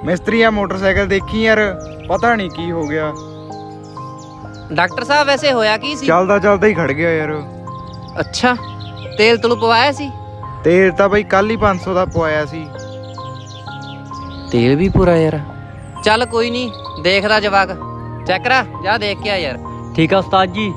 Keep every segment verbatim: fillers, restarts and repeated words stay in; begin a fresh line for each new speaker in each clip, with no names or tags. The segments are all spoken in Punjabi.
ਮਿਸਤਰੀ ਆ ਮੋਟਰਸਾਈਕਲ ਦੇਖੀ ਯਾਰ, ਪਤਾ ਨਹੀਂ ਕੀ ਹੋ ਗਿਆ।
ਡਾਕਟਰ ਸਾਹਿਬ ਵੈਸੇ ਹੋਇਆ ਕੀ ਸੀ?
ਚੱਲਦਾ ਚੱਲਦਾ ਹੀ ਖੜ ਗਿਆ ਯਾਰ।
ਅੱਛਾ, ਤੇਲ ਤਲੂ ਪਵਾਇਆ ਸੀ?
ਤੇਲ ਤਾਂ ਬਈ ਕੱਲ ਹੀ ਪੰਜ ਸੌ ਦਾ ਪਵਾਇਆ ਸੀ।
ਤੇਲ ਵੀ ਪੂਰਾ ਯਾਰ। ਚੱਲ ਕੋਈ ਨਹੀਂ, ਦੇਖਦਾ ਜਵਾਕ। ਚੈੱਕ ਕਰਾ, ਜਾ ਦੇਖ ਕੇ ਆ ਯਾਰ।
ਠੀਕ ਆ ਉਸਤਾਦ ਜੀ।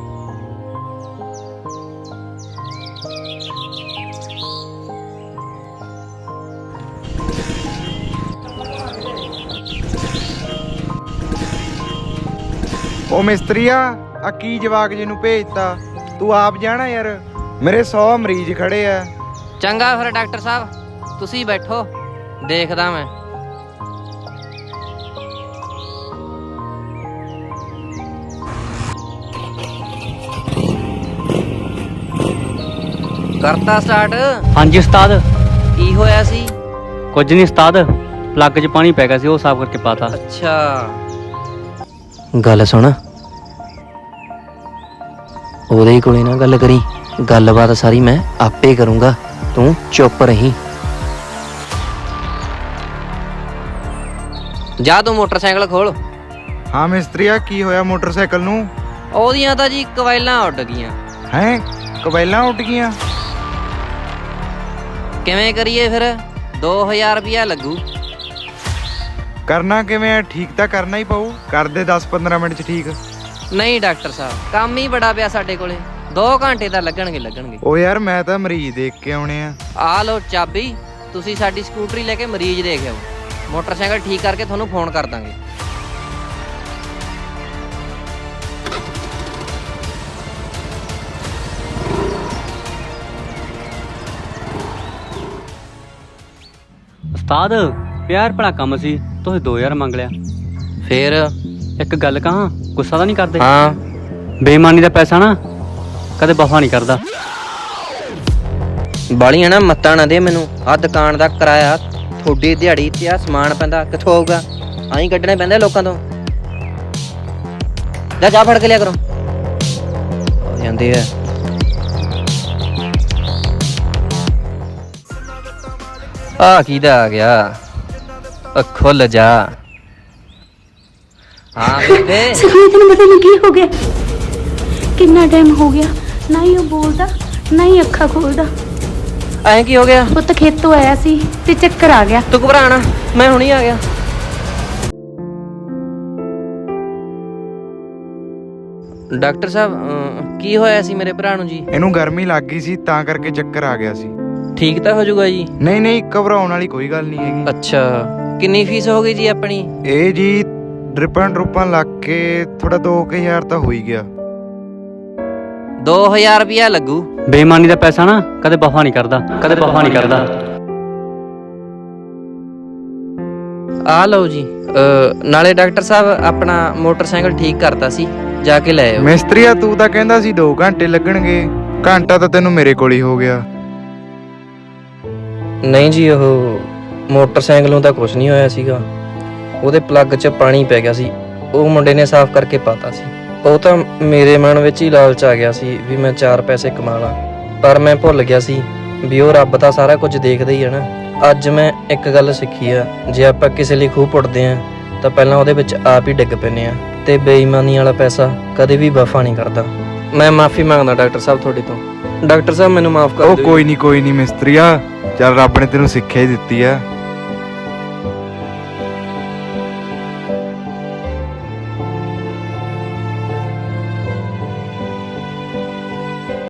ਉਹ ਮਿਸਤਰੀਆ, ਆ ਕੀ ਜਵਾਕ ਜੀ ਨੂੰ ਭੇਜਤਾ? ਤੂੰ ਆਪ ਜਾਣਾ ਯਾਰ, ਮੇਰੇ ਸੌ ਮਰੀਜ਼ ਖੜੇ ਆ।
ਚੰਗਾ ਫਿਰ ਡਾਕਟਰ ਸਾਹਿਬ, ਤੁਸੀਂ ਬੈਠੋ, ਦੇਖਦਾ ਮੈਂ। ਕਰਤਾ ਸਟਾਰਟ।
ਹਾਂਜੀ ਉਸਤਾਦ।
ਕੀ ਹੋਇਆ ਸੀ?
ਕੁਝ ਨਹੀਂ ਉਸਤਾਦ, ਪਲੱਗ 'ਚ ਪਾਣੀ ਪੈ ਗਿਆ ਸੀ, ਉਹ ਸਾਫ਼ ਕਰਕੇ ਪਾਤਾ।
ਅੱਛਾ, ਗੱਲ ਸੁਣ, ਉਹਦੇ ਕੋਲੇ ਨਾ ਗੱਲ ਕਰੀ, ਗੱਲਬਾਤ ਸਾਰੀ ਮੈਂ ਆਪੇ ਕਰੂੰਗਾ, ਤੂੰ ਚੁੱਪ ਰਹੀਂ। ਜਾ ਤੂੰ ਮੋਟਰਸਾਈਕਲ ਖੋਲ।
ਹਾਂ ਮਿਸਤਰੀਆ, ਕੀ ਹੋਇਆ ਮੋਟਰਸਾਈਕਲ ਨੂੰ?
ਉਹਦੀਆਂ ਤਾਂ ਜੀ ਕਵਾਇਲਾਂ ਉੱਡ ਗਈਆਂ।
ਹੈਂ, ਕਬੈਲਾਂ ਉੱਡ ਗਈਆਂ?
ਕਿਵੇਂ ਕਰੀਏ ਫਿਰ? ਦੋ ਹਜ਼ਾਰ ਰੁਪਇਆ ਲੱਗੂ।
ਕਰਨਾ ਕਿਵੇਂ ਆ? ਠੀਕ ਤਾਂ ਕਰਨਾ ਹੀ ਪਊ। ਕਰਦੇ ਦਸ ਪੰਦਰਾਂ ਮਿੰਟ 'ਚ ਠੀਕ।
ਨਹੀਂ ਡਾਕਟਰ ਸਾਹਿਬ, ਕੰਮ ਹੀ ਬੜਾ ਪਿਆ ਸਾਡੇ ਕੋਲੇ, ਦੋ ਘੰਟੇ ਤਾਂ ਲੱਗਣਗੇ ਲੱਗਣਗੇ
ਉਹ ਯਾਰ ਮੈਂ ਤਾਂ ਮਰੀਜ਼ ਦੇਖ ਕੇ ਆਉਣੇ ਆ।
ਆ ਲਓ ਚਾਬੀ, ਤੁਸੀਂ ਸਾਡੀ ਸਕੂਟਰੀ ਲੈ ਕੇ ਮਰੀਜ਼ ਦੇਖ ਆਓ। ਮੋਟਰਸਾਈਕਲ ਠੀਕ ਕਰਕੇ ਤੁਹਾਨੂੰ ਫੋਨ ਕਰ ਦਾਂਗੇ।
ਉਸਤਾਦ ਪਿਆਰ ਭਲਾ ਕੰਮ ਸੀ, ਤੁਸੀਂ ਦੋ ਹਜ਼ਾਰ ਮੰਗ ਲਿਆ।
ਫੇਰ
ਇੱਕ ਗੱਲ ਕਹਾਂ, ਗੁੱਸਾ ਤਾਂ ਨਹੀਂ ਕਰਦੇ?
ਹਾਂ,
ਬੇਈਮਾਨੀ ਦਾ ਪੈਸਾ ਨਾ ਕਦੇ ਵਫਾ ਨਹੀਂ ਕਰਦਾ।
ਬਾਲੀਆਂ ਨਾ ਮੱਤਾਂ ਨਾ ਦੇ ਮੈਨੂੰ। ਆਹ ਦੁਕਾਨ ਦਾ ਕਿਰਾਇਆ, ਥੋੜੀ ਦਿਹਾੜੀ ਤੇ ਆ ਸਮਾਨ ਪੈਂਦਾ, ਕਿੱਥੋਂ ਆਊਗਾ? ਆਹੀਂ ਕੱਢਣੇ ਪੈਂਦੇ ਲੋਕਾਂ ਤੋਂ। ਜਾ ਜਾ ਫੜ ਕੇ ਲਿਆ ਕਰੋ। ਹੋ ਜਾਂਦੇ ਆ। ਆ ਕਿਹਦਾ ਆ ਗਿਆ? ਖੁੱਲ ਜਾ। ਹਾਂ ਬੇਬੇ।
ਸਖੀ ਤੈਨੂੰ ਪਤਾ ਨਹੀਂ ਕੀ ਹੋ ਗਿਆ? ਕਿੰਨਾ ਟਾਈਮ ਹੋ ਗਿਆ, ਨਾ ਹੀ ਉਹ ਬੋਲਦਾ ਨਾ ਹੀ ਅੱਖਾਂ ਖੋਲਦਾ।
ਐਂ ਕੀ ਹੋ ਗਿਆ?
ਪੁੱਤ ਖੇਤੋਂ ਆਇਆ ਸੀ ਤੇ ਚੱਕਰ ਆ ਗਿਆ।
ਤੂੰ ਘਬਰਾਣਾ, ਮੈਂ ਹੁਣੀ ਆ ਗਿਆ। ਡਾਕਟਰ ਸਾਹਿਬ, ਅਮ, ਕੀ ਹੋਇਆ ਸੀ ਮੇਰੇ ਭਰਾ ਨੂੰ ਜੀ?
ਇਹਨੂੰ ਗਰਮੀ ਲੱਗ ਗਈ ਸੀ, ਤਾਂ ਕਰਕੇ ਚੱਕਰ ਆ ਗਿਆ ਸੀ।
ਠੀਕ ਤਾਂ ਹੋ ਜਾਊਗਾ ਜੀ?
ਨਹੀਂ ਨਹੀਂ, ਘਬਰਾਉਣ ਵਾਲੀ ਕੋਈ ਗੱਲ ਨਹੀਂ ਹੈਗੀ।
ਅੱਛਾ, ਕਿੰਨੀ ਫੀਸ ਹੋ ਗਈ ਜੀ ਆਪਣੀ?
ਇਹ ਜੀ ਡਰਿਪਾਂ ਡਰੁਪਾਂ ਲੱਗ ਕੇ ਥੋੜਾ ਦੋ ਕੁ ਹਜ਼ਾਰ ਤਾਂ ਹੋ ਹੀ ਗਿਆ।
ਦੋ ਹਜ਼ਾਰ ਰੁਪਇਆ ਲੱਗੂ।
ਬੇਈਮਾਨੀ ਦਾ ਪੈਸਾ ਨਾ ਕਦੇ ਵਫਾ ਨਹੀਂ ਕਰਦਾ, ਕਦੇ ਵਫਾ ਨਹੀਂ ਕਰਦਾ।
ਆ ਲਓ ਜੀ। ਅ, ਨਾਲੇ ਡਾਕਟਰ ਸਾਹਿਬ ਆਪਣਾ ਮੋਟਰਸਾਈਕਲ ਠੀਕ ਕਰਤਾ ਸੀ, ਜਾ ਕੇ ਲੈ ਆਓ।
ਮਿਸਤਰੀਆ, ਤੂੰ ਤਾਂ ਕਹਿੰਦਾ ਸੀ ਦੋ ਘੰਟੇ ਲੱਗਣਗੇ, ਘੰਟਾ ਤਾਂ ਤੈਨੂੰ ਮੇਰੇ ਕੋਲ ਹੀ ਹੋ ਗਿਆ।
ਨਹੀਂ ਜੀ, ਉਹ ਮੋਟਰਸਾਈਕਲ ਨੂੰ ਤਾਂ ਕੁਝ ਨਹੀਂ ਹੋਇਆ ਸੀਗਾ, ਉਹਦੇ ਪਲੱਗ 'ਚ ਪਾਣੀ ਪੈ ਗਿਆ ਸੀ, ਉਹ ਮੁੰਡੇ ਨੇ ਸਾਫ਼ ਕਰਕੇ ਪਾਤਾ ਸੀ। ਉਹ ਤਾਂ ਮੇਰੇ ਮਨ ਵਿੱਚ ਹੀ ਲਾਲਚ ਆ ਗਿਆ ਸੀ ਵੀ ਮੈਂ ਚਾਰ ਪੈਸੇ ਕਮਾ ਲਾਂ, ਪਰ ਮੈਂ ਭੁੱਲ ਗਿਆ ਸੀ ਵੀ ਉਹ ਰੱਬ ਤਾਂ ਸਾਰਾ ਕੁਝ ਦੇਖਦਾ ਹੀ ਹੈ ਨਾ। ਅੱਜ ਮੈਂ ਇੱਕ ਗੱਲ ਸਿੱਖੀ ਆ, ਜੇ ਆਪਾਂ ਕਿਸੇ ਲਈ ਖੂਹ ਪੁੱਟਦੇ ਆ ਤਾਂ ਪਹਿਲਾਂ ਉਹਦੇ ਵਿੱਚ ਆਪ ਹੀ ਡਿੱਗ ਪੈਂਦੇ ਆ, ਤੇ ਬੇਈਮਾਨੀ ਵਾਲਾ ਪੈਸਾ ਕਦੇ ਵੀ ਵਫਾ ਨਹੀਂ ਕਰਦਾ। ਮੈਂ ਮਾਫੀ ਮੰਗਦਾ ਡਾਕਟਰ ਸਾਹਿਬ ਤੁਹਾਡੇ ਤੋਂ। ਡਾਕਟਰ ਸਾਹਿਬ ਮੈਨੂੰ ਮਾਫ ਕਰ ਦਿਓ।
ਉਹ ਕੋਈ ਨਹੀਂ ਕੋਈ ਨਹੀਂ ਮਿਸਤਰੀਆ, ਚੱਲ ਰੱਬ ਨੇ ਤੈਨੂੰ ਸਿੱਖਿਆ ਹੀ ਦਿੱਤੀ ਆ।